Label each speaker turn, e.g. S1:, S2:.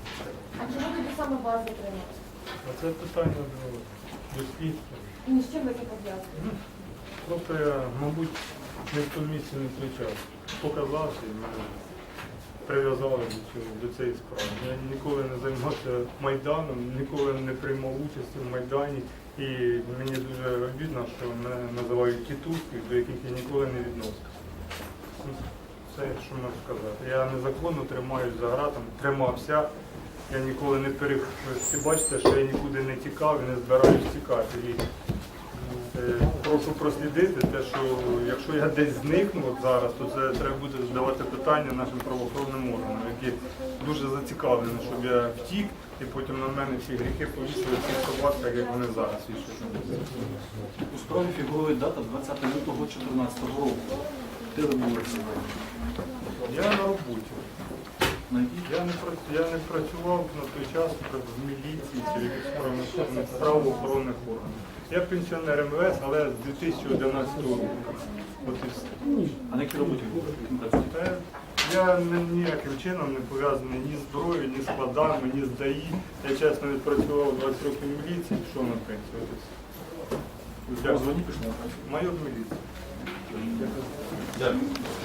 S1: А чому тоді саме вас затримали?
S2: А це питання до слідства.
S1: І з чим ви це пов'язуєте?
S2: Просто я, мабуть, не в тому місці, не в той час. Показався і мене прив'язали до цієї справи. Я ніколи не займався Майданом, ніколи не приймав участі в Майдані. І мені дуже обідно, що мене називають тітушкою, до яких я ніколи не відносився. Це, що можу сказати. Я незаконно тримаюсь за ґратами, тримався. Я ніколи не всі бачите, що я нікуди не тікав і не збираюсь тікати. І прошу прослідити те, що якщо я десь зникну от зараз, то це треба буде задавати питання нашим правоохоронним органам, які дуже зацікавлені, щоб я втік і потім на мене всі гріхи повісили в цих собаках, як вони зараз вішають.
S3: У справі фігурує дата 20 лютого 2014 року. Де ви були сьогодні?
S2: Я на роботі. Я не працював на той час в міліції чи в правоохоронних органах. Я пенсіонер МВС, але з 2011 року. От і все.
S3: А на якій роботі ви працюєте?
S2: Я ніяким чином не пов'язаний ні з зброєю, ні з складами, ні з ДАІ. Я чесно відпрацював 20 років в міліції, пішов на пенсію. От і все.
S3: Ви в звані пішли на працю?
S2: Майор міліції.
S3: Дякую.